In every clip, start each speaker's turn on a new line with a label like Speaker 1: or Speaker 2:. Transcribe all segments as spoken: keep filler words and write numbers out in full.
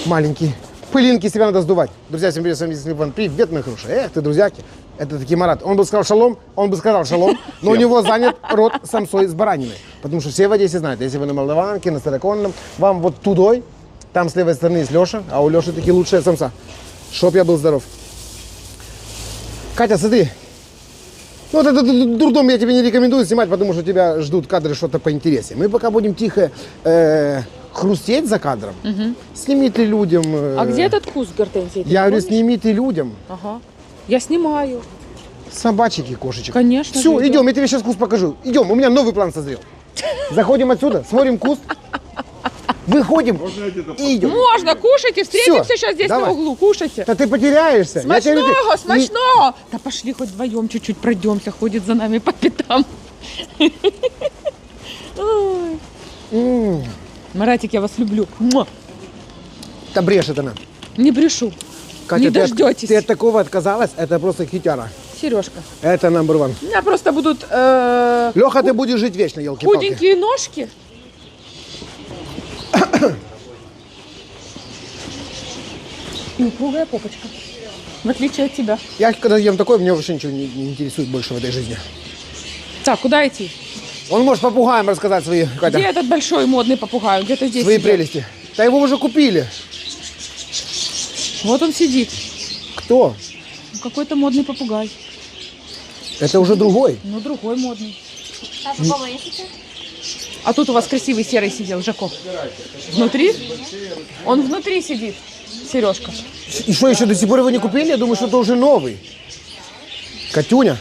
Speaker 1: маленький. Пылинки себя надо сдувать. Друзья, всем привет, с вами Иван. Привет, мои хорошие. Эх ты, друзьяки. Это таки Марат. Он бы сказал шалом, он бы сказал шалом, но у него занят рот самсой с бараниной. Потому что все в Одессе знают, если вы на Молдаванке, на Староконном, вам вот тудой, там с левой стороны есть Леша, а у Леши таки лучшая самса. Чтоб я был здоров. Катя, смотри. Ну, вот этот дурдом я тебе не рекомендую снимать, потому что тебя ждут кадры что-то поинтереснее. Мы пока будем тихо э, хрустеть за кадром. Угу. Сними ты людям. Э,
Speaker 2: а где этот куст гортензии?
Speaker 1: Я говорю, сними ты людям.
Speaker 2: Ага. Я снимаю.
Speaker 1: Собачек и кошечек.
Speaker 2: Конечно.
Speaker 1: Все, идем, я тебе сейчас куст покажу. Идем, у меня новый план созрел. Заходим отсюда, смотрим куст. Выходим и идем.
Speaker 2: Можно, кушайте, встретимся
Speaker 1: Всё,
Speaker 2: сейчас здесь
Speaker 1: давай.
Speaker 2: на углу, кушайте.
Speaker 1: Да ты потеряешься.
Speaker 2: Смачного,
Speaker 1: Я
Speaker 2: смачного. И... Да пошли хоть вдвоем чуть-чуть пройдемся, ходит за нами по пятам. Маратик, я вас люблю.
Speaker 1: Да брешет она.
Speaker 2: Не брешу.
Speaker 1: Катя,
Speaker 2: не
Speaker 1: ты
Speaker 2: дождетесь.
Speaker 1: От, ты от такого отказалась, это просто хитяра.
Speaker 2: Сережка.
Speaker 1: Это номер один.
Speaker 2: У меня просто будут... Э,
Speaker 1: Леха, ты будешь жить вечно, елки-палки.
Speaker 2: худенькие ножки. И упругая попочка. В отличие от тебя.
Speaker 1: Я когда ем такое, мне вообще ничего не, не интересует больше в этой жизни.
Speaker 2: Так, куда идти?
Speaker 1: Он может попугаем рассказать свои, Катя,
Speaker 2: где этот большой модный попугай? Где-то здесь
Speaker 1: свои
Speaker 2: сидит.
Speaker 1: прелести. Да его уже купили.
Speaker 2: Вот он сидит.
Speaker 1: Кто?
Speaker 2: Какой-то модный попугай.
Speaker 1: Это уже другой.
Speaker 2: Ну, другой модный. А тут у вас красивый серый сидел, Жако. Внутри? Он внутри сидит, Сережка.
Speaker 1: И что, еще до сих пор его не купили? Я думаю, что это уже новый. Катюня.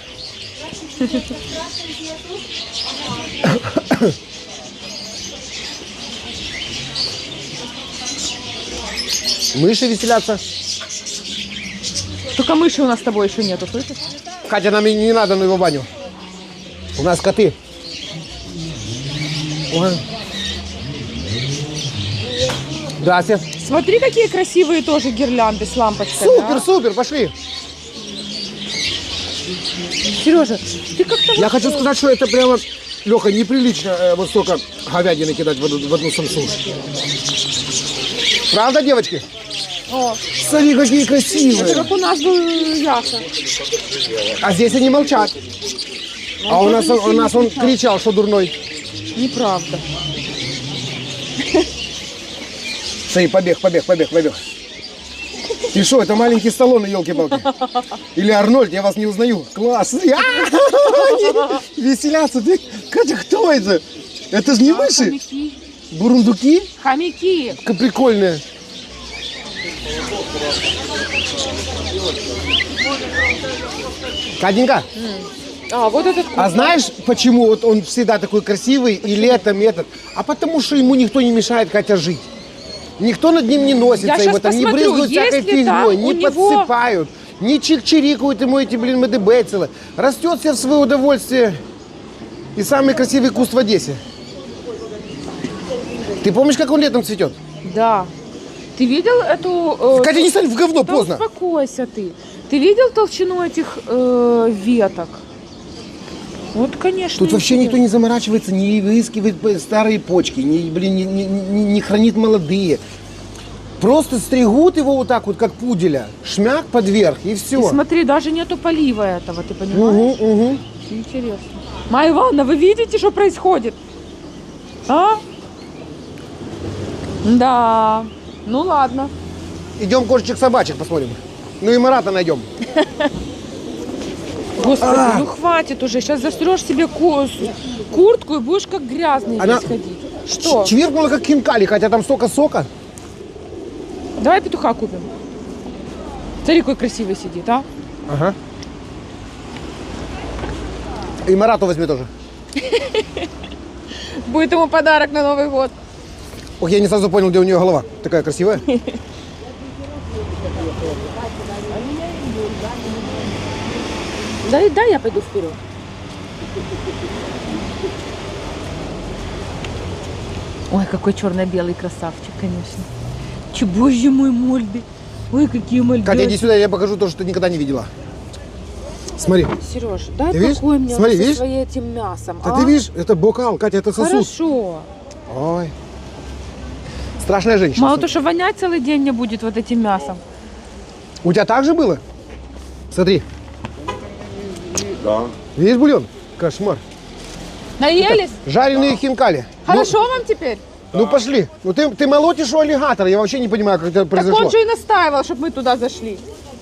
Speaker 1: Мыши веселятся.
Speaker 2: Только мыши у нас с тобой еще нету, слышишь?
Speaker 1: Катя, нам и не надо на его баню. У нас коты. Ой. Здрасте.
Speaker 2: Смотри, какие красивые тоже гирлянды с лампочками.
Speaker 1: Супер,
Speaker 2: а?
Speaker 1: супер, пошли.
Speaker 2: Сережа, ты как-то...
Speaker 1: Я хочу сказать, что это прямо, Леха, неприлично э, вот столько говядины кидать в одну, в одну самсу. Правда, девочки?
Speaker 2: О,
Speaker 1: смотри, какие красивые.
Speaker 2: это как у нас был Яша.
Speaker 1: А здесь они молчат.
Speaker 2: Он
Speaker 1: а у нас,
Speaker 2: тоже
Speaker 1: он, у
Speaker 2: не
Speaker 1: нас он
Speaker 2: кричал.
Speaker 1: кричал, что дурной.
Speaker 2: Неправда.
Speaker 1: Смотри, побег, побег, побег, побег. И что, это маленький Сталлоне, елки-палки? Или Арнольд, я вас не узнаю. Класс. Они веселятся. Ты... Катя, кто это? Это же не мыши.
Speaker 2: Хомяки.
Speaker 1: Бурундуки?
Speaker 2: Хомяки.
Speaker 1: Как прикольные. Катенька,
Speaker 2: А, вот этот
Speaker 1: а знаешь, почему вот он всегда такой красивый и летом и этот? А потому что ему никто не мешает, Катя, жить. Никто над ним не носится,
Speaker 2: Я
Speaker 1: его
Speaker 2: щас
Speaker 1: там не
Speaker 2: посмотрю,
Speaker 1: брызгают всякой
Speaker 2: есть ли там
Speaker 1: фигней, не
Speaker 2: у него-
Speaker 1: подсыпают, не чик-чирикают ему эти, блин, МДБ целые. Растет себе в свое удовольствие. И самый красивый куст в Одессе. Ты помнишь, как он летом цветет?
Speaker 2: Да. Ты видел эту... э,
Speaker 1: Катя, не стань в говно,
Speaker 2: да
Speaker 1: поздно.
Speaker 2: успокойся ты. Ты видел толщину этих э, веток? Вот, конечно.
Speaker 1: Тут вообще никто
Speaker 2: интересно.
Speaker 1: не заморачивается, не выискивает старые почки, не, блин, не, не- не- не хранит молодые. Просто стригут его вот так вот, как пуделя, шмяк под верх, и все.
Speaker 2: И смотри, даже нету полива этого, ты понимаешь?
Speaker 1: Угу, угу.
Speaker 2: Интересно. Майя Ивановна, вы видите, что происходит? А? Да. Ну ладно.
Speaker 1: Идем кошечек-собачек посмотрим. Ну и Марата найдем.
Speaker 2: Господи,
Speaker 1: А.
Speaker 2: ну хватит уже. Сейчас застрешь себе ку- куртку и будешь как грязный
Speaker 1: Она
Speaker 2: здесь ходить. Что?
Speaker 1: Чвиркнула как хинкали, хотя там столько сока.
Speaker 2: Давай петуха купим. Смотри, какой красивый сидит, а?
Speaker 1: Ага. И Марату возьми тоже.
Speaker 2: Будет ему подарок на Новый год.
Speaker 1: Ох, я не сразу понял, где у нее голова. Такая красивая.
Speaker 2: Дай, дай я пойду вперед. Ой, какой черно-белый красавчик, конечно. Че, боже мой, мольбы. Ой, какие мольбы.
Speaker 1: Катя, иди сюда, я покажу то, что ты никогда не видела. Смотри.
Speaker 2: Сереж, дай
Speaker 1: Ты видишь?
Speaker 2: покой мне
Speaker 1: Смотри,
Speaker 2: со
Speaker 1: видишь?
Speaker 2: своим этим мясом.
Speaker 1: Да
Speaker 2: а?
Speaker 1: ты видишь, это бокал, Катя, это сосуд.
Speaker 2: Хорошо.
Speaker 1: Ой. Страшная женщина.
Speaker 2: Мало то, что вонять целый день не будет вот этим мясом.
Speaker 1: У тебя так же было? Смотри.
Speaker 3: Да.
Speaker 1: Видишь бульон? Кошмар.
Speaker 2: Наелись?
Speaker 1: Жареные хинкали.
Speaker 2: Хорошо вам теперь?
Speaker 1: Ну, ну пошли. Ну ты, ты молотишь у аллигатора. Я вообще не понимаю, как это
Speaker 2: Так
Speaker 1: произошло.
Speaker 2: он же и настаивал, чтобы мы туда зашли.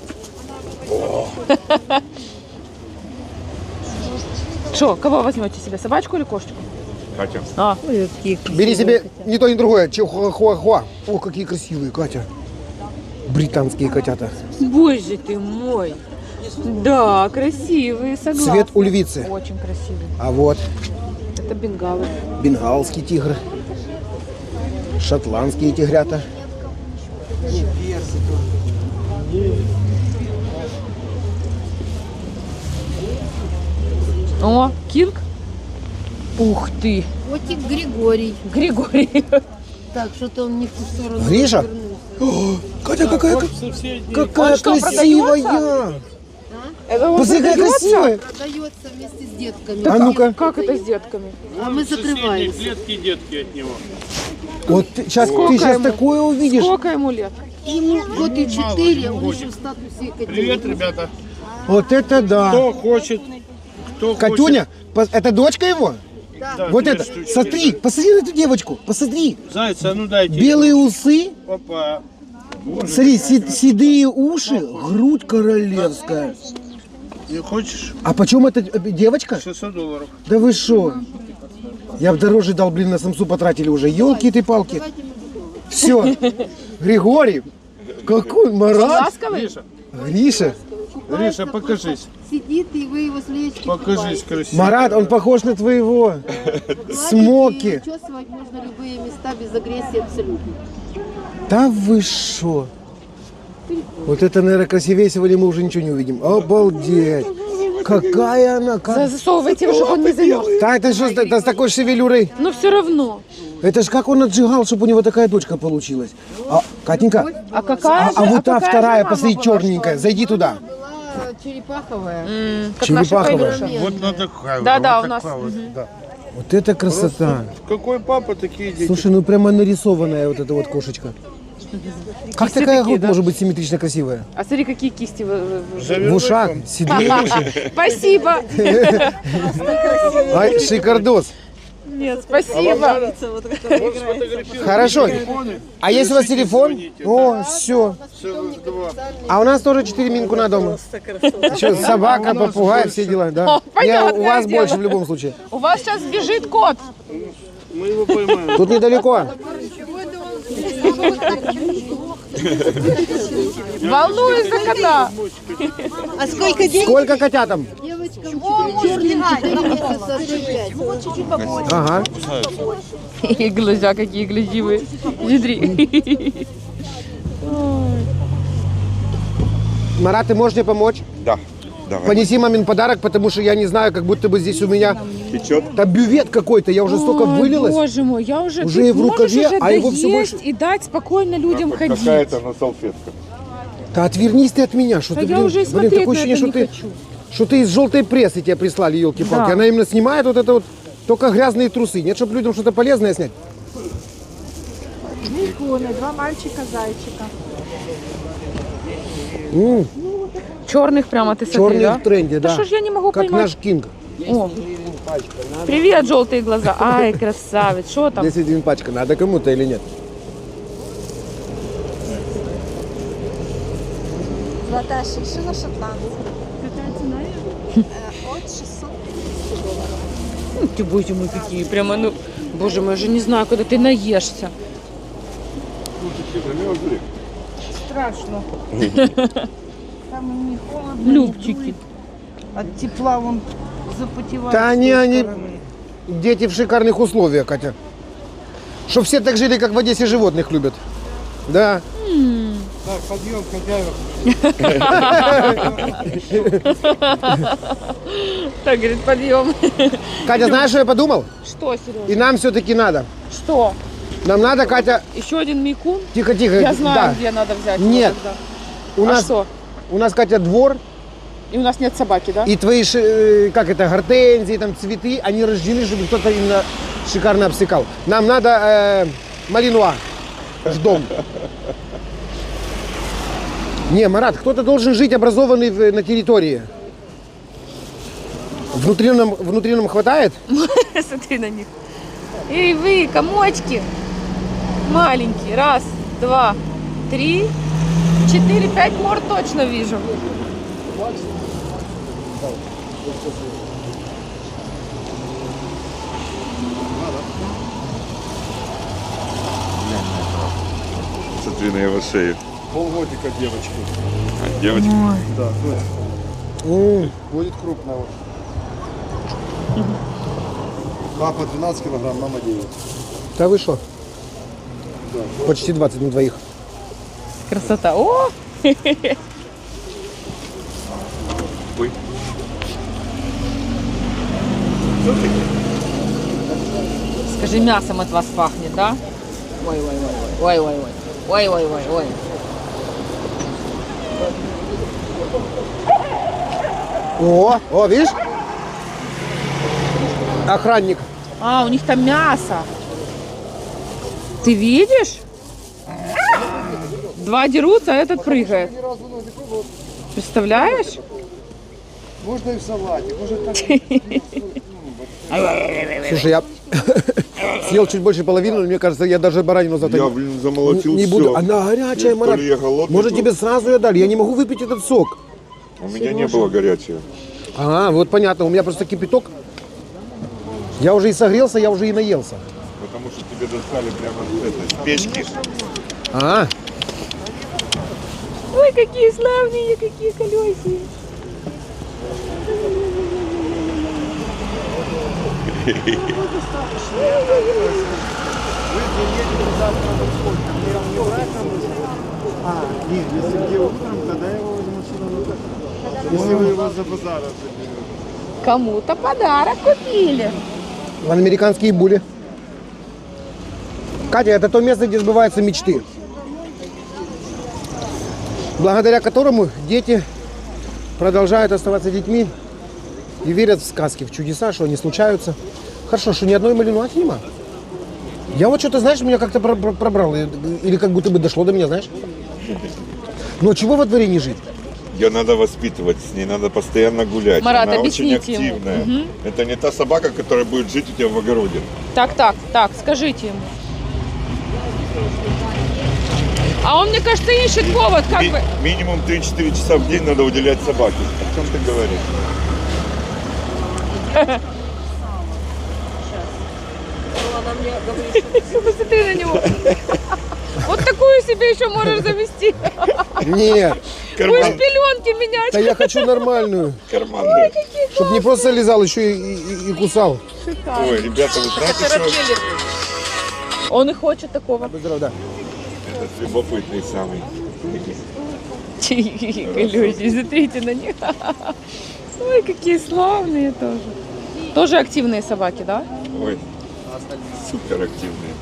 Speaker 2: Что, кого возьмете себе, собачку или кошечку?
Speaker 3: Катя.
Speaker 2: А,
Speaker 1: Бери себе не то, ни другое. Чихуахуа. О, какие красивые, Катя. Британские котята.
Speaker 2: боже ты мой. Да, красивые, согласна.
Speaker 1: Цвет у львицы.
Speaker 2: Очень красивый.
Speaker 1: А вот
Speaker 2: Это бенгалы.
Speaker 1: бенгалский тигр. Шотландские тигрята.
Speaker 2: О, Кинг. Ух ты.
Speaker 4: Котик Григорий.
Speaker 2: Григорий.
Speaker 4: Так, что-то он не в ту сторону
Speaker 1: Гриша?
Speaker 4: повернулся.
Speaker 1: О, Катя, какая, какая
Speaker 2: Он что,
Speaker 1: красивая.
Speaker 2: Это он
Speaker 1: Посмотри, какая
Speaker 2: продается?
Speaker 1: красивая.
Speaker 4: Продается вместе с детками.
Speaker 1: А ну-ка.
Speaker 2: Как это с детками?
Speaker 4: А мы закрываемся.
Speaker 5: Клетки детки от него.
Speaker 1: Вот ты, сейчас,
Speaker 2: Сколько
Speaker 1: ты сейчас
Speaker 2: ему?
Speaker 1: такое увидишь.
Speaker 2: Сколько ему лет?
Speaker 4: Ему год и четыре, он еще в статусе котенка.
Speaker 5: Привет, ребята.
Speaker 1: Вот это да.
Speaker 5: Кто хочет, кто
Speaker 1: Катюня, по- это дочка его?
Speaker 5: хочет.
Speaker 1: Вот
Speaker 5: две
Speaker 1: это.
Speaker 5: штучки.
Speaker 1: Смотри, посмотри на эту девочку. Посмотри.
Speaker 5: Зайца, а ну дайте.
Speaker 1: Белые усы.
Speaker 5: Опа.
Speaker 1: Смотри, си- седые уши, грудь королевская.
Speaker 5: Не хочешь?
Speaker 1: А почем эта э, девочка?
Speaker 5: шестьсот долларов.
Speaker 1: Да вы шо? Я бы дороже дал, блин, на самсу потратили уже. Елки ты палки. Все. Григорий. Какой Марат.
Speaker 2: Ласковый?
Speaker 1: Гриша.
Speaker 5: Гриша, покажись.
Speaker 4: Сидит, и вы его с лечки
Speaker 5: Покажись красиво.
Speaker 1: Марат, он похож на твоего. Смоки.
Speaker 4: Чувствовать можно любые места без агрессии абсолютно.
Speaker 1: Да вы шо? Вот это, наверное, красивее сегодня мы уже ничего не увидим. Обалдеть. Какая она. Как...
Speaker 2: Засовывайте его, чтобы он не замерз.
Speaker 1: Да, это что, это с такой шевелюрой?
Speaker 2: Но все равно.
Speaker 1: Это ж как он отжигал, чтобы у него такая дочка получилась. А, Катенька,
Speaker 2: А какая
Speaker 1: а,
Speaker 2: же,
Speaker 1: а вот та
Speaker 2: какая
Speaker 1: вторая,
Speaker 2: же мама
Speaker 1: посмотри,
Speaker 2: была,
Speaker 1: черненькая, зайди туда.
Speaker 4: Была черепаховая.
Speaker 2: М, Как наша
Speaker 1: Черепаховая.
Speaker 2: Кайрюша.
Speaker 5: Вот на такая.
Speaker 2: Да,
Speaker 5: вот
Speaker 2: да, у
Speaker 5: такая
Speaker 2: нас.
Speaker 5: вот, да.
Speaker 1: Вот это красота.
Speaker 5: Какой папа, такие дети.
Speaker 1: Слушай, ну прямо нарисованная вот эта вот кошечка. Как
Speaker 2: Кисти
Speaker 1: такая
Speaker 2: такие,
Speaker 1: грудь
Speaker 2: да?
Speaker 1: может быть симметрично красивая?
Speaker 2: А смотри, какие кисти вы- вы- вы-
Speaker 5: Завернуть
Speaker 1: В ушах,
Speaker 5: вам?
Speaker 1: седые уши.
Speaker 2: Спасибо.
Speaker 1: Ай, шикардос.
Speaker 2: Нет, спасибо.
Speaker 1: Хорошо. А есть у вас телефон? О, все.
Speaker 5: Целых два.
Speaker 1: А у нас тоже четыре минкуна дома. Еще собака, попугай, все дела, да.
Speaker 2: О,
Speaker 1: Не,
Speaker 2: понятное
Speaker 1: у вас
Speaker 2: дело.
Speaker 1: больше в любом случае.
Speaker 2: У вас сейчас бежит кот.
Speaker 5: Мы его поймаем.
Speaker 1: Тут недалеко.
Speaker 2: Волнуюсь за кота.
Speaker 4: А сколько денег?
Speaker 1: Сколько котятам?
Speaker 4: Девочкам черным четыре месяца, пять.
Speaker 1: Ага.
Speaker 2: И глаза какие глядивые. Смотри.
Speaker 1: Марат, ты можешь мне помочь?
Speaker 3: Да. Давай.
Speaker 1: Понеси мамин подарок, потому что я не знаю, как будто бы здесь у меня
Speaker 3: Течет.
Speaker 1: там бювет какой-то, я уже столько
Speaker 2: Ой,
Speaker 1: вылилась.
Speaker 2: Боже мой, я уже,
Speaker 1: Уже
Speaker 2: ты
Speaker 1: и в
Speaker 2: можешь
Speaker 1: рукаве,
Speaker 2: уже
Speaker 1: а его всё
Speaker 2: доесть
Speaker 1: больше.
Speaker 2: и дать спокойно людям ходить.
Speaker 3: Какая-то на салфетках.
Speaker 1: Да отвернись ты от меня, что
Speaker 2: Да
Speaker 1: ты,
Speaker 2: я
Speaker 1: блин,
Speaker 2: уже и
Speaker 1: блин,
Speaker 2: смотреть
Speaker 1: такое
Speaker 2: на
Speaker 1: ощущение,
Speaker 2: это
Speaker 1: что
Speaker 2: не
Speaker 1: ты,
Speaker 2: хочу.
Speaker 1: что ты из желтой прессы тебя прислали, елки-палки.
Speaker 2: Да.
Speaker 1: Она именно снимает вот это вот, только грязные трусы. Нет, чтобы людям что-то полезное снять.
Speaker 2: Два мальчика-зайчика.
Speaker 1: М,
Speaker 2: Черных прямо ты смотри,
Speaker 1: черный
Speaker 2: да?
Speaker 1: в тренде, да.
Speaker 2: что ж я не могу
Speaker 1: Как
Speaker 2: поймать?
Speaker 1: наш Кинг.
Speaker 2: О. Привет, желтые глаза. Ай, красавец. Что там?
Speaker 1: десять гривен пачка, надо кому-то или нет?
Speaker 6: Золотая шиншилла шотландская. Какая цена ее? От шестисот долларов.
Speaker 2: Ну, ты, боже мой, какие. Прямо, ну, боже мой, я же не знаю, когда ты наешься.
Speaker 6: Страшно. Там не холодно,
Speaker 2: Любчики.
Speaker 6: от тепла он запотевает.
Speaker 1: Да
Speaker 6: с
Speaker 1: они,
Speaker 6: той
Speaker 1: они,
Speaker 6: стороны.
Speaker 1: дети в шикарных условиях, Катя. Чтоб все так жили, как в Одессе животных любят. Да.
Speaker 5: Так, подъем, хозяева.
Speaker 2: Так, говорит, подъем.
Speaker 1: Катя, знаешь, что я подумал?
Speaker 2: Что, Сережа?
Speaker 1: И нам все-таки надо.
Speaker 2: Что?
Speaker 1: Нам надо, Катя,
Speaker 2: Еще один мейкун?
Speaker 1: тихо-тихо.
Speaker 2: Я знаю,
Speaker 1: да.
Speaker 2: где надо взять. его
Speaker 1: Нет.
Speaker 2: тогда.
Speaker 1: У
Speaker 2: А
Speaker 1: нас,
Speaker 2: что?
Speaker 1: у нас, Катя, двор,
Speaker 2: И у нас нет собаки, да?
Speaker 1: и твои, ши- э, как это, гортензии, там, цветы, они рождены, чтобы кто-то именно шикарно обсекал. Нам надо э, малинуа. в дом. Не, Марат, кто-то должен жить образованный в- на территории. Внутри нам, внутри нам хватает?
Speaker 2: Смотри на них. Эй, вы, комочки. Маленькие. Раз, два, три, четыре, пять мор точно вижу.
Speaker 3: Смотри на его шею.
Speaker 5: Полгодика девочки.
Speaker 3: А, девочка.
Speaker 5: Да, дочь.
Speaker 1: М,
Speaker 5: Будет крупная. вот. Папа двенадцать килограмм, мама девять.
Speaker 1: Да вы что? Почти двадцать на двоих.
Speaker 2: Красота. О!
Speaker 3: Ой.
Speaker 2: Скажи, мясом от вас пахнет, да? Ой, ой, ой, ой, ой, ой, ой, ой, ой, ой, ой.
Speaker 1: О, о, видишь? Охранник.
Speaker 2: А, у них там мясо. Ты видишь? Два дерутся, а этот прыгает. Представляешь?
Speaker 5: Можно и в салате, может так.
Speaker 1: Слушай, я съел чуть больше половины, но мне кажется, я даже баранину завтра
Speaker 3: Я,
Speaker 1: не-
Speaker 3: блин, замолотил
Speaker 1: не
Speaker 3: все.
Speaker 1: буду. Она горячая, Марат.
Speaker 3: я голодный
Speaker 1: Может,
Speaker 3: был.
Speaker 1: тебе сразу ее дали? Я не могу выпить этот сок.
Speaker 3: У меня не было горячего.
Speaker 1: А, вот понятно, у меня просто кипяток. Я уже и согрелся, я уже и наелся.
Speaker 3: Потому что тебе достали прямо с этой, с печки.
Speaker 1: А,
Speaker 2: Ой, какие славные, какие колесики.
Speaker 5: А, нет, если где утром, тогда я его возьму сюда на так. Если вы его за базара заберете.
Speaker 2: Кому-то подарок купили.
Speaker 1: вон американские були. Катя, это то место, где сбываются мечты. Благодаря которому дети продолжают оставаться детьми и верят в сказки, в чудеса, что они случаются. Хорошо, что ни одной малинуахи нема. Я вот что-то, знаешь, меня как-то про- про- пробрало. Или как будто бы дошло до меня, знаешь. Но чего во дворе не жить?
Speaker 3: Ее надо воспитывать, с ней надо постоянно гулять.
Speaker 2: Марат,
Speaker 3: Она очень
Speaker 2: объясните ему.
Speaker 3: активная.
Speaker 2: Мгм.
Speaker 3: Это не та собака, которая будет жить у тебя в огороде.
Speaker 2: Так, так, так, скажите ему. А он, мне кажется, ищет повод, как
Speaker 3: Ми-
Speaker 2: бы.
Speaker 3: минимум три-четыре часа в день надо уделять собаке. О чем ты говоришь?
Speaker 2: Посмотри на него. Вот такую себе еще можешь завести.
Speaker 1: Нет,
Speaker 2: Будешь
Speaker 3: Карман,
Speaker 2: пеленки менять.
Speaker 1: да я хочу нормальную.
Speaker 3: карман, да.
Speaker 1: Чтобы не просто лизал, еще и, и- и кусал.
Speaker 3: Ой, ребята, вы знаете, что
Speaker 2: Он и хочет такого.
Speaker 1: Будь здоров, да.
Speaker 3: это любопытный самый.
Speaker 2: Колёси, смотрите на них. Ой, какие славные тоже. Тоже активные собаки, да?
Speaker 3: Ой, супер активный.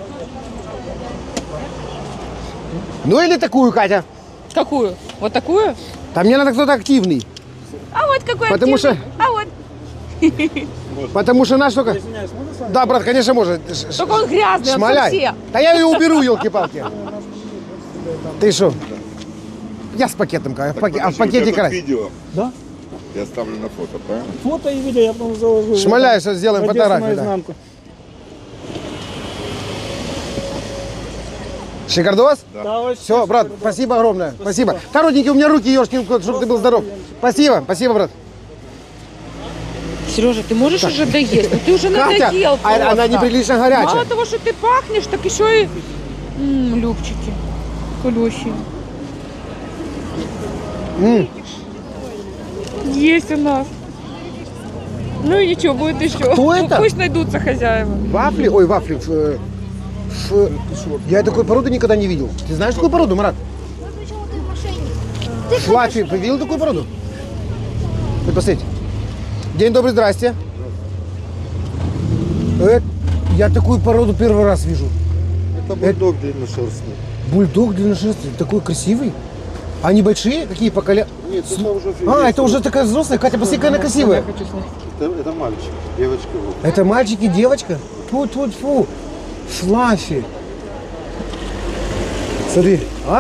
Speaker 1: Ну или такую, Катя.
Speaker 2: Какую? Вот такую?
Speaker 1: Там мне надо кто-то активный.
Speaker 2: А вот какой
Speaker 1: Потому
Speaker 2: активный.
Speaker 1: что-
Speaker 2: А вот.
Speaker 1: Потому что наш только... Да, брат, конечно, может. Ш- ш-
Speaker 2: Только он грязный, он
Speaker 1: Шмаляй.
Speaker 2: все.
Speaker 1: Да я ее уберу, елки-палки. Ты что? Я с пакетом, Катя, в паке- а в
Speaker 3: Подожди, у тебя
Speaker 1: пакете
Speaker 3: тут
Speaker 1: крась.
Speaker 3: видео.
Speaker 7: Да?
Speaker 3: Я ставлю на фото, правильно?
Speaker 7: Фото и видео я потом заложу.
Speaker 1: Шмаляй, сейчас сделаем
Speaker 7: Одесса
Speaker 1: фотографию. Да.
Speaker 7: наизнанку.
Speaker 1: Шикардос?
Speaker 7: Да, вообще
Speaker 1: Все, брат, спасибо огромное. Спасибо. Да, родненький, у меня руки, ешкин кот, чтобы ты был здоров. Спасибо, спасибо, брат.
Speaker 2: Сережа, ты можешь уже доесть? Ну ты уже
Speaker 1: Катя,
Speaker 2: надоел
Speaker 1: а-
Speaker 2: просто.
Speaker 1: она неприлично горячая.
Speaker 2: Мало того, что ты пахнешь, так еще и... М, любчики. Колющие.
Speaker 1: М.
Speaker 2: Есть у нас. Ну и ничего, будет еще.
Speaker 1: Кто
Speaker 2: Ну,
Speaker 1: это?
Speaker 2: Пусть найдутся хозяева.
Speaker 1: Вафли? Ой, вафли. Ф- э, ф- Я такой породы никогда не видел. Ты знаешь такую породу, Марат? Флаффи. Ты видел такую породу? Вы посмотрите. День добрый, здрасте. Э, Я такую породу первый раз вижу.
Speaker 5: Это бульдог длинношерстный.
Speaker 1: Бульдог длинношерстный, такой красивый. Они большие? Какие по коля...
Speaker 5: Нет, это уже
Speaker 1: А, это уже такая взрослая. Катя, посмотри, какая она красивая.
Speaker 5: Это, это мальчик, девочка. Вот.
Speaker 1: Это мальчик и девочка? Тьфу-тьфу-тьфу. Флаффи. Смотри, а?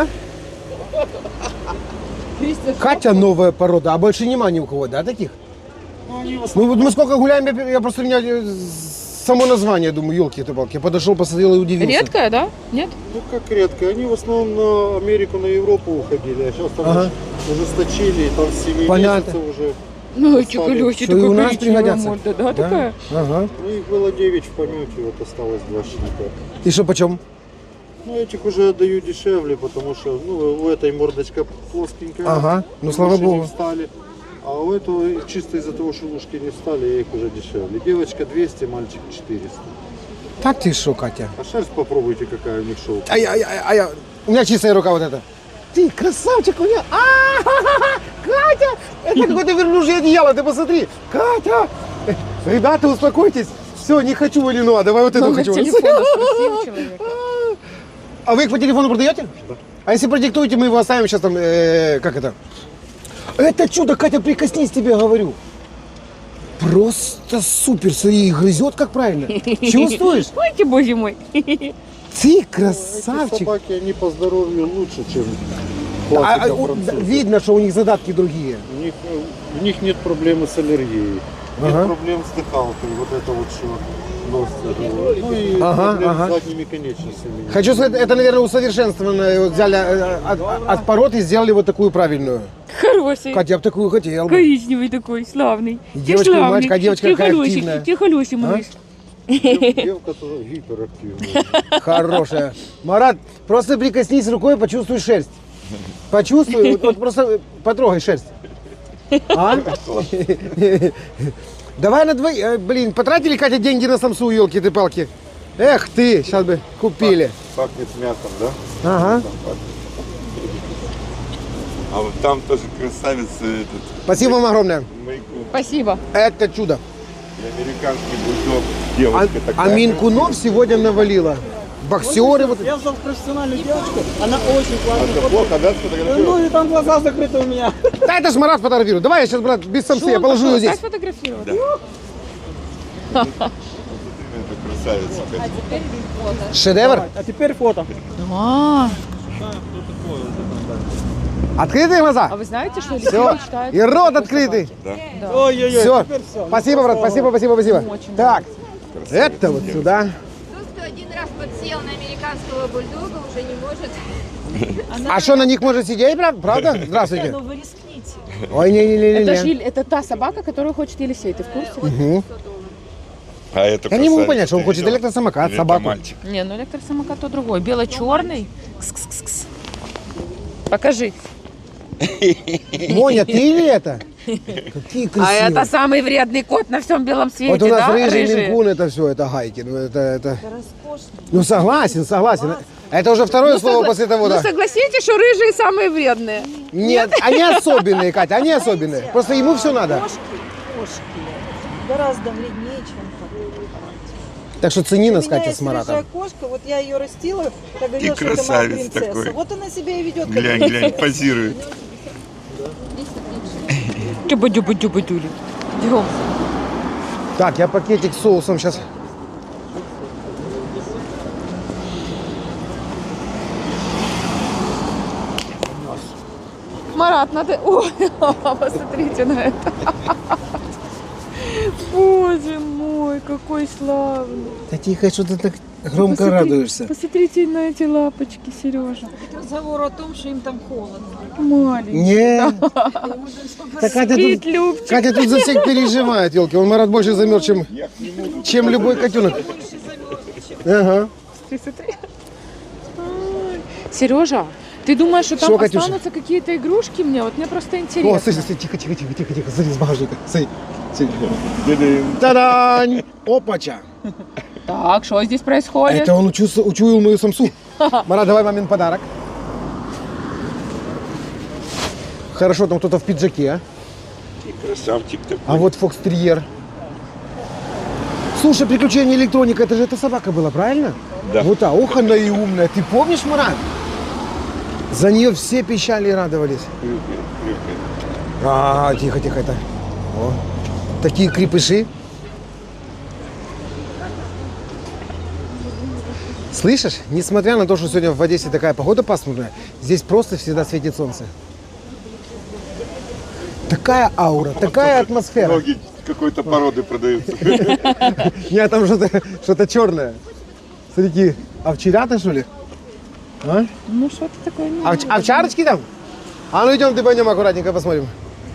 Speaker 1: Катя новая порода, а больше нема ни у кого, да, таких? Ну вот мы сколько гуляем, я, я просто меня э, само название, думаю, елки-то-палки. Я подошел, посмотрел и удивился.
Speaker 2: Редкая, да? Нет?
Speaker 5: Ну как редко, они в основном на Америку, на Европу уходили, а сейчас там
Speaker 1: Ага.
Speaker 5: ужесточили, и там с семи
Speaker 1: Понятно.
Speaker 5: месяцев уже.
Speaker 2: Ну,
Speaker 5: Что,
Speaker 2: Чукалёси,
Speaker 1: и у нас пригодятся?
Speaker 2: морда, да, такая?
Speaker 1: Ага.
Speaker 5: Ну их было девять в помете, вот осталось два щенка.
Speaker 1: И что, почем?
Speaker 5: Ну этих уже отдаю дешевле, потому что ну, у этой мордочка плоскенькая.
Speaker 1: Ага, ну, слава
Speaker 5: уши не
Speaker 1: богу.
Speaker 5: встали. А у этого чисто из-за того, что ушки не встали, я их уже дешевле. Девочка двести, мальчик четыреста.
Speaker 1: Так ты что, Катя?
Speaker 5: А шерсть попробуйте, какая у них шоу.
Speaker 1: А я, а я, а я, у меня чистая рука вот эта. Ты красавчик у меня. А, Катя, это какое-то верблюжье одеяло, ты посмотри. Катя, э, ребята, успокойтесь. Все, не хочу валину, давай вот эту
Speaker 2: Номер
Speaker 1: хочу.
Speaker 2: телефона спросил человека.
Speaker 1: А вы их по телефону продаете? Да. А если продиктуете, мы его оставим сейчас там, э, как это? Это чудо, Катя, прикоснись, тебе говорю. Просто супер, смотри, грызет как правильно. Чувствуешь?
Speaker 2: Ой, ты, боже мой.
Speaker 1: Ты
Speaker 5: Эти
Speaker 1: красавчик.
Speaker 5: собаки, они по здоровью лучше, чем
Speaker 1: А,
Speaker 5: классика
Speaker 1: а, у-
Speaker 5: француза.
Speaker 1: видно, что у них задатки другие.
Speaker 5: У них, э, у них нет проблемы с аллергией,
Speaker 1: Ага.
Speaker 5: нет проблем с дыхалкой, вот это вот что нос тяжелый. Ну и
Speaker 1: Ага,
Speaker 5: проблем
Speaker 1: ага.
Speaker 5: с задними конечностями.
Speaker 1: Хочу сказать, это, наверное, усовершенствованное. Вот взяли э, от, от пород и сделали вот такую правильную.
Speaker 2: Хороший.
Speaker 1: Катя, я бы такую хотел бы.
Speaker 2: Коричневый такой, славный.
Speaker 1: И девочка, и
Speaker 2: Ты славный.
Speaker 1: мальчик, а девочка
Speaker 2: Ты
Speaker 1: какая
Speaker 2: хороший,
Speaker 1: активная.
Speaker 2: Ты хороший, малыш.
Speaker 5: Дев- Девка-то гиперактивная.
Speaker 1: Хорошая. Марат, просто прикоснись рукой, почувствуй шерсть. Почувствуй, вот, вот просто потрогай шерсть. А? Давай на двоих. Э, Блин, потратили, Катя, деньги на самсу, елки-ты-палки. Эх ты, сейчас бы купили.
Speaker 3: Пахнет мясом, да?
Speaker 1: Ага.
Speaker 3: Там пахнет. А вот там тоже красавец этот,
Speaker 1: Спасибо вам огромное.
Speaker 3: Майку.
Speaker 2: Спасибо.
Speaker 1: Это чудо.
Speaker 3: И американский бульдог.
Speaker 1: А,
Speaker 3: Девочка
Speaker 1: а
Speaker 3: такая.
Speaker 1: Минкунов сегодня навалила. Боксеры вот.
Speaker 7: Я взял профессиональную девочку, она очень
Speaker 3: А
Speaker 7: классная.
Speaker 3: это плохо, да, сфотографировал?
Speaker 7: Ну и там глаза закрыты у меня.
Speaker 1: Да это ж Марат фотографирует. Давай я сейчас, брат, без самсы, я положу ее здесь.
Speaker 2: Дай сфотографировать.
Speaker 3: Это красавица.
Speaker 1: Шедевр.
Speaker 7: А теперь фото.
Speaker 2: А,
Speaker 1: Открытые глаза.
Speaker 2: а вы знаете, что
Speaker 1: Все.
Speaker 2: Алексей мечтает?
Speaker 1: И рот открытый.
Speaker 7: Ой-ой-ой,
Speaker 1: Все.
Speaker 7: теперь все.
Speaker 1: Спасибо, брат, спасибо, спасибо, спасибо. Так, это вот сюда.
Speaker 8: Тот, кто один раз подсел на американского бульдога, уже не может.
Speaker 1: А что, на них может сидеть, брат? Правда? Здравствуйте.
Speaker 6: Ну вы рискните.
Speaker 1: Ой,
Speaker 2: Это, ж
Speaker 1: не-не-не-не.
Speaker 2: Ель- это та собака, которую хочет Елисей, ты в курсе?
Speaker 3: А это
Speaker 1: Я не могу
Speaker 3: красавица,
Speaker 1: понять, что он
Speaker 3: ты
Speaker 1: хочет
Speaker 3: видел?
Speaker 1: электросамокат,
Speaker 3: Или это
Speaker 1: собаку.
Speaker 3: мальчик?
Speaker 2: Не, ну электросамокат то другой. Бело-черный. Кс-кс-кс-кс. Покажи.
Speaker 1: Моня, ты или это? Какие
Speaker 2: А это
Speaker 1: красивые.
Speaker 2: самый вредный кот на всем белом свете,
Speaker 1: Вот у нас
Speaker 2: да?
Speaker 1: рыжий
Speaker 2: Рыжие?
Speaker 1: минкун, это все, это гайки. Ну, это, это... Ну, согласен, согласен. Это уже второе слово
Speaker 2: Согла-
Speaker 1: после того,
Speaker 2: ну
Speaker 1: да.
Speaker 2: согласитесь, что рыжие самые вредные.
Speaker 1: Нет, они особенные, Катя, они особенные. Просто ему все надо.
Speaker 6: Кошки, кошки гораздо вреднее, чем коты.
Speaker 1: Так что цени
Speaker 6: У
Speaker 1: нас,
Speaker 6: меня
Speaker 1: Катя,
Speaker 6: есть
Speaker 1: с Маратом.
Speaker 6: рыжая кошка, вот я ее растила, так говорила, что это моя
Speaker 3: красавец
Speaker 6: принцесса.
Speaker 3: такой.
Speaker 6: Вот она себя и ведет. как
Speaker 3: Глянь, глянь, позирует.
Speaker 2: Дюба-дюба-дюба-дюли. Идем.
Speaker 1: Так, я пакетик с соусом сейчас.
Speaker 2: Марат, надо... О, посмотрите на это. Боже мой, какой славный.
Speaker 1: Да тихо, что ты так громко
Speaker 2: Посмотри-
Speaker 1: радуешься.
Speaker 2: Посмотрите на эти лапочки, Сережа.
Speaker 6: Разговор о том, что им там холодно.
Speaker 2: Маленький.
Speaker 1: Не. Так Катя
Speaker 2: Спит,
Speaker 1: тут,
Speaker 2: Любчик.
Speaker 1: Катя тут за всех переживает, елки. Он Марат больше замерз, чем, чем любой котенок. Ага.
Speaker 2: Смотри, смотри. Ай. Сережа, ты думаешь, что там
Speaker 1: Что, Катюша?
Speaker 2: останутся какие-то игрушки мне? Вот мне просто
Speaker 1: О,
Speaker 2: интересно.
Speaker 1: смотри, смотри, тихо, тихо, тихо, тихо, тихо. Смотри, с багажника. Смотри. Смотри.
Speaker 3: Дыдым.
Speaker 1: Та-дань! Опача!
Speaker 2: Так, что здесь происходит?
Speaker 1: Это он учу- учуял мою самсу. Марат, давай мамин подарок. Хорошо, там кто-то в пиджаке, а?
Speaker 3: И красавчик такой.
Speaker 1: А вот фокстерьер. Слушай, приключения электроника, это же эта собака была, правильно?
Speaker 3: Да.
Speaker 1: Вот а, ох она и умная. Ты помнишь, Марат? За нее все пищали и радовались.
Speaker 3: Хрюкает, хрюкает.
Speaker 1: А, тихо, тихо, это. О, такие крепыши. Слышишь, несмотря на то, что сегодня в Одессе такая погода пасмурная, здесь просто всегда светит солнце. Такая аура, такая атмосфера.
Speaker 3: Ноги какой-то породы продаются.
Speaker 1: Нет, там что-то что черное. Смотри, овчарята, что ли? А?
Speaker 2: Ну, что-то такое. не
Speaker 1: Овч-
Speaker 2: надо.
Speaker 1: овчарочки там? А ну идем, ты пойдем аккуратненько посмотрим.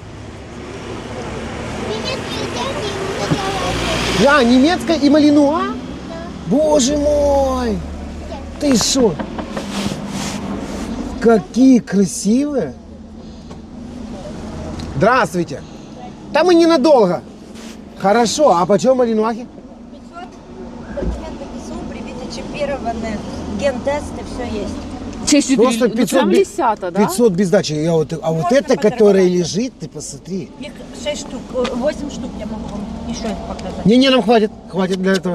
Speaker 1: Я, немецкая и малинуа? Боже мой! Ты что? Какие красивые! Здравствуйте! Там мы ненадолго. Хорошо, а почем малинуахи?
Speaker 6: Документы КСУ, привиты, чипированы, ген-тесты, все есть.
Speaker 2: Честь
Speaker 1: Просто
Speaker 2: ну,
Speaker 1: пятьсот,
Speaker 2: прям
Speaker 1: би-
Speaker 2: десята, да?
Speaker 1: пятьсот без дачи. Я вот, а вот
Speaker 6: Можно
Speaker 1: это,
Speaker 6: поторговать.
Speaker 1: которое лежит, ты посмотри.
Speaker 6: Их шесть штук, восемь штук я могу вам еще их показать.
Speaker 1: Не-не, нам хватит. Хватит для этого.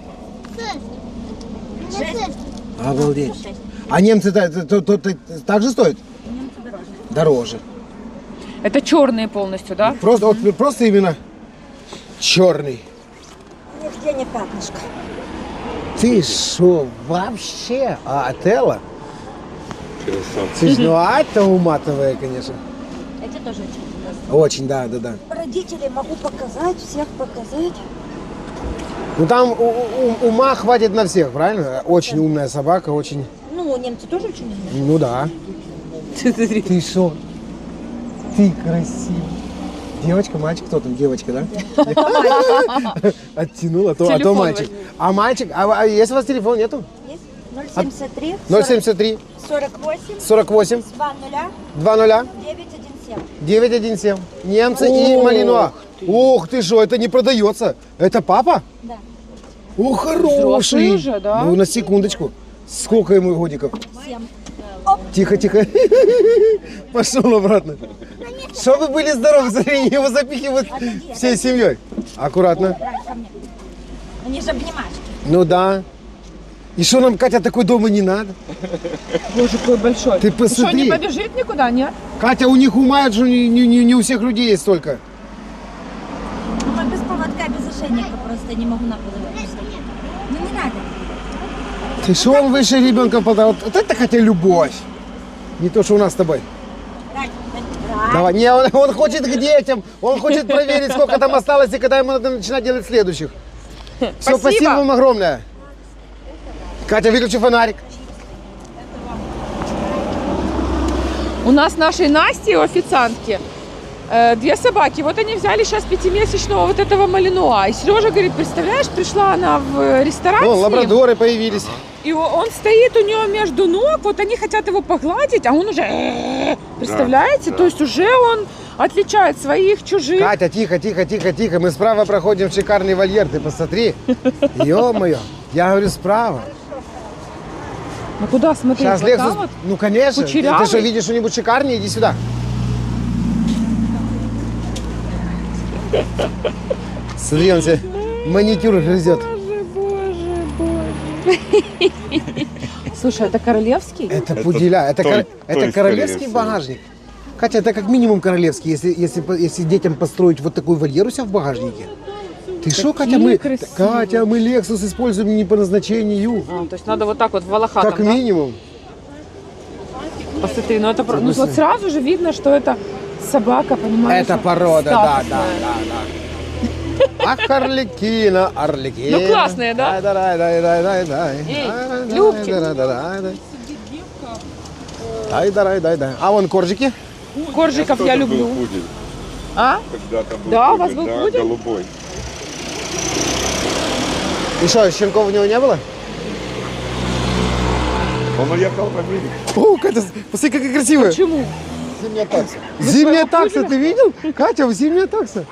Speaker 1: Обалдеть.
Speaker 6: Шесть.
Speaker 1: А немцы та- та- та- та- так же стоят?
Speaker 6: Немцы дороже.
Speaker 1: Дороже.
Speaker 2: Это черные полностью, да?
Speaker 1: Просто, вот, просто именно черный.
Speaker 6: Нигде не пятнышко.
Speaker 1: Ты шо, вообще? А отелло?
Speaker 3: Красавцы.
Speaker 1: Ну, а это уматовое, конечно.
Speaker 6: Эти тоже очень интересные.
Speaker 1: Очень, да, да, да.
Speaker 6: Родителей могу показать, всех показать.
Speaker 1: Ну там у- у- ума хватит на всех, правильно? Очень умная собака, очень...
Speaker 6: Ну, немцы тоже очень умные.
Speaker 1: Ну да. Ты шо? Ты красивый. Девочка, мальчик, кто там? Девочка, да? Оттянула, а то, а то
Speaker 2: Телефон
Speaker 1: мальчик.
Speaker 2: возьми.
Speaker 1: А мальчик, а, а если у вас телефон нету?
Speaker 6: Есть? ноль семьдесят три,
Speaker 1: ноль семьдесят три,
Speaker 6: сорок восемь,
Speaker 1: сорок восемь,
Speaker 6: два нуля,
Speaker 1: два нуля,
Speaker 6: девять один семь.
Speaker 1: девять один семь. Немцы и
Speaker 2: Ох
Speaker 1: малинуа. Ух ты что, это не продается. Это папа?
Speaker 6: Да.
Speaker 1: О, хороший.
Speaker 2: Взрослый уже, да?
Speaker 1: Ну, на секундочку. Сколько ему годиков?
Speaker 6: Семь.
Speaker 1: Тихо, тихо. Пошел обратно. Чтобы вы были здоровы, смотри, его запихивают всей семьей. Аккуратно.
Speaker 6: Давай ко мне. Они же обнимашки.
Speaker 1: Ну да. И что нам, Катя, такой дома не надо?
Speaker 2: Боже, какой большой.
Speaker 1: Ты
Speaker 2: Что, не
Speaker 1: посмотри.
Speaker 2: побежит никуда, нет?
Speaker 1: Катя, у них ума, что не, не, не- не у всех людей есть столько.
Speaker 6: Ну, без поводка, без ошейника просто не могу на пол выпустить. Ну, не надо.
Speaker 1: Ты что, он выше ребенка в полтора? Вот, вот это, Катя, любовь. Не то, что у нас с тобой.
Speaker 6: Дай, дай.
Speaker 1: Давай. Не, он, он хочет к детям. Он хочет проверить, сколько там осталось, и когда ему надо начинать делать следующих. Все,
Speaker 2: Спасибо.
Speaker 1: спасибо вам огромное. Катя, выключи фонарик.
Speaker 2: У нас нашей Насти, у официантки, э, две собаки. Вот они взяли сейчас пятимесячного вот этого малинуа. И Сережа говорит, представляешь, пришла она в ресторан
Speaker 1: О,
Speaker 2: с ним,
Speaker 1: лабрадоры появились.
Speaker 2: и о- он стоит у нее между ног, вот они хотят его погладить, а он уже... э, Представляете?
Speaker 3: да.
Speaker 2: То есть уже он отличает своих, чужих.
Speaker 1: Катя, тихо, тихо, тихо, тихо. Мы справа проходим в шикарный вольер. Ты посмотри. Ё-моё. Я говорю, справа.
Speaker 2: Ну куда смотреть?
Speaker 1: Сейчас
Speaker 2: Вот там
Speaker 1: Лексус...
Speaker 2: вот?
Speaker 1: Ну, конечно. Ты, ты
Speaker 2: Кучерявый?
Speaker 1: что, видишь что-нибудь шикарнее? Иди сюда. Смотри, он тебе маникюр грызет.
Speaker 2: Боже, боже, боже. Слушай, это королевский?
Speaker 1: Это пуделя. Это,
Speaker 3: той-
Speaker 1: кор-
Speaker 3: той,
Speaker 1: это королевский
Speaker 3: скорее всего.
Speaker 1: багажник. Катя, это как минимум королевский, если, если, по- если детям построить вот такой вольер у себя в багажнике. Ты что, Катя, мы,
Speaker 2: красивые.
Speaker 1: Катя, мы Lexus используем не по назначению.
Speaker 2: А, то есть надо вот так вот в волохатом,
Speaker 1: Как
Speaker 2: да?
Speaker 1: минимум.
Speaker 2: Посмотри, ну это про- ну,
Speaker 1: Согласен.
Speaker 2: вот сразу же видно, что это собака, понимаешь?
Speaker 1: Это порода, да, да,
Speaker 2: статусная.
Speaker 1: да, да. Ах, Арлекина, Арлекина.
Speaker 2: Ну, классные, да?
Speaker 1: Дай, дай, дай, дай, дай, дай.
Speaker 2: Эй,
Speaker 1: Дай, дай,
Speaker 2: Любчик.
Speaker 1: дай, дай, дай, дай. Дай, дай, дай, дай. А вон коржики?
Speaker 2: Коржиков я
Speaker 3: Кто-то
Speaker 2: люблю.
Speaker 3: был пудель.
Speaker 2: А?
Speaker 3: Когда-то был
Speaker 2: Да, у вас
Speaker 3: пудель,
Speaker 2: был
Speaker 3: да,
Speaker 2: пудель?
Speaker 3: голубой.
Speaker 1: И что, щенков у него не было?
Speaker 3: Он уехал в Америку.
Speaker 1: О, Катя, посмотри, какая красивая.
Speaker 2: Почему?
Speaker 3: Зимняя такса.
Speaker 1: Зимняя
Speaker 2: своего
Speaker 1: такса,
Speaker 2: пуделя?
Speaker 1: ты видел? Катя, зимняя такса.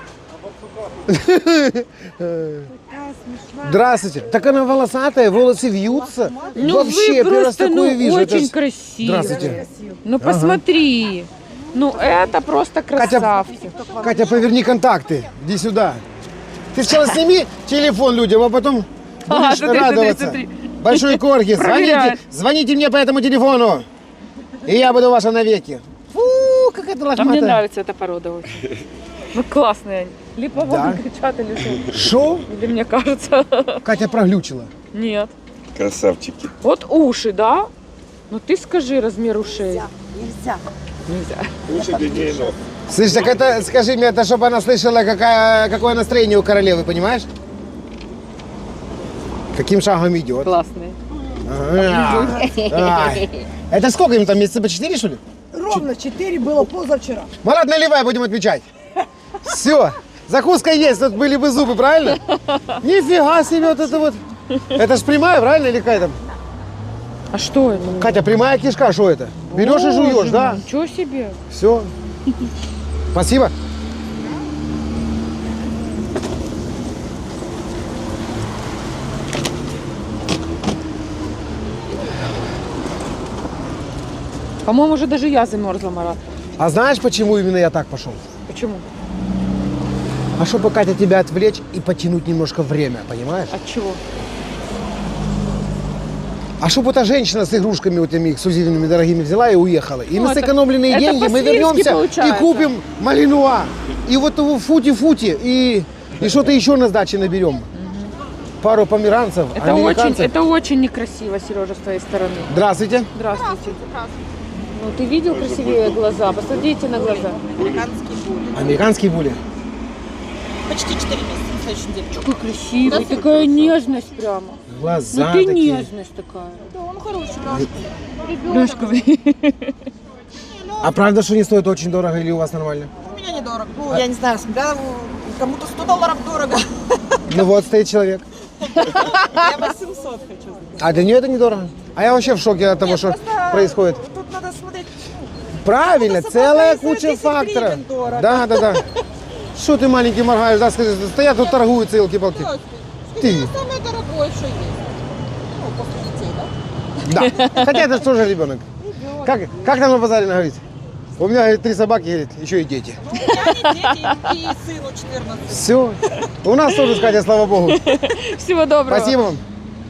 Speaker 1: Здравствуйте. Так она волосатая, волосы вьются.
Speaker 2: Ну
Speaker 1: Вообще,
Speaker 2: вы
Speaker 1: первый раз
Speaker 2: просто
Speaker 1: такое
Speaker 2: ну,
Speaker 1: вижу. Это
Speaker 2: очень
Speaker 1: ж-
Speaker 2: красиво.
Speaker 1: Здравствуйте.
Speaker 2: Ну посмотри. Ну это просто красавцы.
Speaker 1: Катя, поверни контакты. Иди сюда. Ты сначала сними телефон людям, а потом
Speaker 2: А,
Speaker 1: будешь
Speaker 2: смотри,
Speaker 1: радоваться.
Speaker 2: смотри, смотри.
Speaker 1: Большой корги, звоните,
Speaker 2: Проверяет.
Speaker 1: звоните мне по этому телефону. И я буду ваша навеки. Фу, как это
Speaker 2: А мне
Speaker 1: лохматая.
Speaker 2: нравится эта порода очень. Ну классные они. Либо
Speaker 1: Да.
Speaker 2: кричат или что.
Speaker 1: Шо?
Speaker 2: Или мне кажется.
Speaker 1: Катя проглючила.
Speaker 2: Нет.
Speaker 3: Красавчики.
Speaker 2: Вот уши, да? Ну ты скажи размер ушей.
Speaker 6: Нельзя.
Speaker 2: Нельзя.
Speaker 3: Лучше длиннее ног.
Speaker 1: Слышь, так это, скажи мне, это чтобы она слышала, какая, какое настроение у королевы, понимаешь? Каким шагом идет?
Speaker 2: Классный.
Speaker 1: А, ай. Это сколько им там, месяца по четыре, что ли?
Speaker 9: Ровно четыре было позавчера.
Speaker 1: Марат, наливай, будем отмечать. Все, закуска есть, тут были бы зубы, правильно? Нифига себе вот это вот. Это ж прямая, правильно, или какая там?
Speaker 2: А что это?
Speaker 1: Катя, прямая кишка, что это? Берешь и жуешь,
Speaker 2: Боже
Speaker 1: да?
Speaker 2: мой, Ничего себе.
Speaker 1: Все. Спасибо.
Speaker 2: По-моему, уже даже я замерзла, Марат.
Speaker 1: А знаешь, почему именно я так пошел?
Speaker 2: Почему?
Speaker 1: А чтобы, Катя, тебя отвлечь и потянуть немножко время, понимаешь?
Speaker 2: От чего?
Speaker 1: А чтобы эта женщина с игрушками вот этими эксклюзивными дорогими взяла и уехала. И
Speaker 2: Ну,
Speaker 1: на
Speaker 2: это-
Speaker 1: сэкономленные
Speaker 2: это
Speaker 1: деньги мы
Speaker 2: по-свински
Speaker 1: вернемся и
Speaker 2: получается.
Speaker 1: купим малинуа. И вот его фути-фути. И, и что-то еще на сдаче наберем. Пару померанцев,
Speaker 2: Это очень,
Speaker 1: американцев.
Speaker 2: это очень некрасиво, Сережа, с твоей стороны.
Speaker 1: Здравствуйте.
Speaker 2: Здравствуйте. Ну, ты видел красивее глаза? Посмотрите на глаза.
Speaker 1: Американские були.
Speaker 9: Почти четыре месяца на следующей неделе.
Speaker 2: Какой красивый, такая нежность прямо.
Speaker 1: Глаза
Speaker 2: Ну ты
Speaker 1: такие.
Speaker 2: нежность такая.
Speaker 9: Да, он хороший.
Speaker 2: Лёшка,
Speaker 1: А правда, что не стоит очень дорого или у вас нормально?
Speaker 9: У меня недорого. Ну, я не знаю, смотря кому-то сто долларов дорого.
Speaker 1: Ну вот стоит человек.
Speaker 9: Я восемьсот хочу.
Speaker 1: А для нее это недорого. А я вообще в шоке от того, что происходит.
Speaker 9: Тут надо смотреть.
Speaker 1: Правильно,
Speaker 9: собака
Speaker 1: целая
Speaker 9: и за
Speaker 1: куча
Speaker 9: десять
Speaker 1: факторов.
Speaker 9: гривен дорого.
Speaker 1: Да, да, да. Что ты маленький моргаешь, да, скажи, стоят тут торгуются, елки-палки. Ты.
Speaker 9: Самое дорогое, что есть. Ну, после детей, да?
Speaker 1: Да. Хотя это же тоже ребенок. Как, как там на базаре говорить? У меня говорит, три собаки, говорит, еще и дети.
Speaker 9: Ну, у меня не дети, и сыну четырнадцать.
Speaker 1: Все. У нас тоже, Катя, слава богу.
Speaker 2: всего доброго.
Speaker 1: Спасибо вам.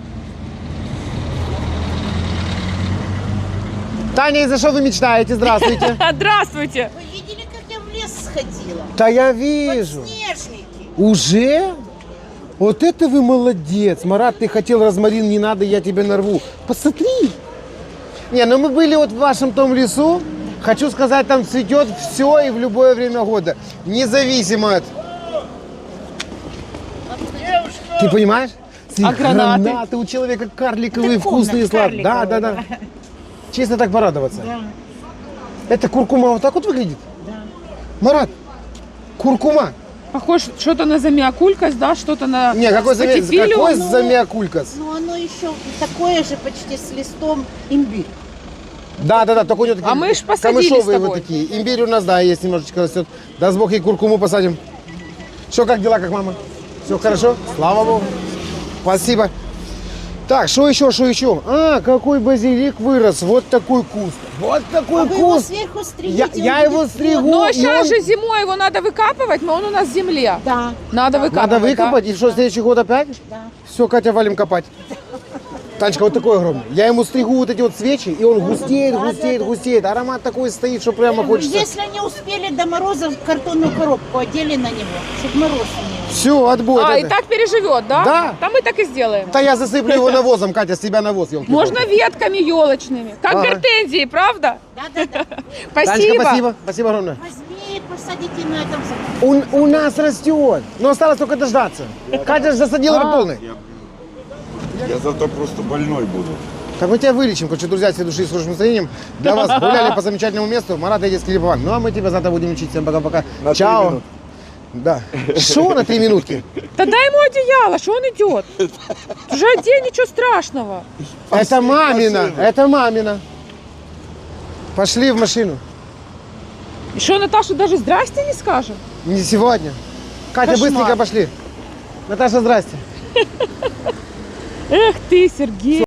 Speaker 1: Таня, и за что вы мечтаете? Здравствуйте.
Speaker 2: Здравствуйте.
Speaker 4: Вы видели, как я в лес сходила?
Speaker 1: Да я вижу.
Speaker 4: Снежники.
Speaker 1: Уже? Вот это вы молодец. Марат, ты хотел розмарин, не надо, я тебе нарву. Посмотри. Не, ну мы были вот в вашем том лесу. Хочу сказать, там цветет все и в любое время года. Независимо от... Ты понимаешь?
Speaker 2: А гранаты?
Speaker 1: Гранаты у человека карликовые, вкусные, сладкие. Да, да, да. Честно так порадоваться. Это куркума вот так вот выглядит? Да. Марат, куркума.
Speaker 2: Похож что-то на замиокулькас, да, что-то на
Speaker 1: Не, какой, заме...
Speaker 2: спатифилиум.
Speaker 1: какой
Speaker 4: Ну,
Speaker 1: замиокулькас?
Speaker 4: Ну, оно еще такое же почти с листом имбирь.
Speaker 1: Да, да, да, только у него такие
Speaker 2: А мы ж посадили
Speaker 1: камышовые
Speaker 2: с тобой.
Speaker 1: вот такие. Имбирь у нас, да, есть немножечко растет. Даст Бог, и куркуму посадим. Что, как дела, как мама? Все хорошо? Слава Богу. Спасибо. Так, что еще, что еще? А, какой базилик вырос. Вот такой куст. Вот такой
Speaker 4: А вы его
Speaker 1: куст.
Speaker 4: сверху стригите,
Speaker 1: Я,
Speaker 4: он
Speaker 1: я
Speaker 4: будет
Speaker 1: его
Speaker 4: плотный.
Speaker 1: стригу.
Speaker 2: Но
Speaker 1: и
Speaker 2: сейчас
Speaker 1: он-
Speaker 2: же зимой его надо выкапывать, но он у нас в земле.
Speaker 4: Да.
Speaker 2: Надо выкапывать.
Speaker 1: Надо выкопать,
Speaker 2: да?
Speaker 1: и что, следующий год опять?
Speaker 4: Да.
Speaker 1: Все, Катя, валим копать. Танечка, вот такой огромный. Я ему стригу вот эти вот свечи, и он густеет,
Speaker 4: да,
Speaker 1: густеет,
Speaker 4: да, да.
Speaker 1: густеет. Аромат такой стоит, что прямо хочется.
Speaker 4: Если не успели до мороза, картонную коробку одели на него, чтобы мороз не...
Speaker 1: Все, отбой.
Speaker 2: А,
Speaker 1: это.
Speaker 2: и так переживет, да?
Speaker 1: Да.
Speaker 2: Да мы так и сделаем.
Speaker 1: Да я засыплю его навозом, Катя, с тебя навоз, елки.
Speaker 2: Можно ветками елочными, как
Speaker 1: Ага.
Speaker 2: гортензии, правда?
Speaker 4: Да-да-да.
Speaker 2: Спасибо.
Speaker 1: Танечка, спасибо. Спасибо огромное.
Speaker 4: Возьми, посадите на этом заборе.
Speaker 1: У, у нас растет, но осталось только дождаться. Катя же засадила по полной.
Speaker 3: Я зато просто больной буду.
Speaker 1: Так мы тебя вылечим, короче, друзья, все души с хорошим настроением. Для вас гуляли по замечательному месту. Марат и детский Липован. Ну а мы тебя завтра будем учить. Всем пока-пока.
Speaker 3: На три
Speaker 1: Чао.
Speaker 3: минутки.
Speaker 1: Да. Что на три минутки?
Speaker 2: Да дай ему одеяло, что он идет? Уже одень, ничего страшного.
Speaker 1: Это мамина,
Speaker 3: машину.
Speaker 1: это мамина. Пошли в машину.
Speaker 2: И что, Наташа даже здрасте не скажем?
Speaker 1: Не сегодня. Катя,
Speaker 2: Кошмар.
Speaker 1: быстренько пошли. Наташа, здрасте.
Speaker 2: Эх ты, Сергей.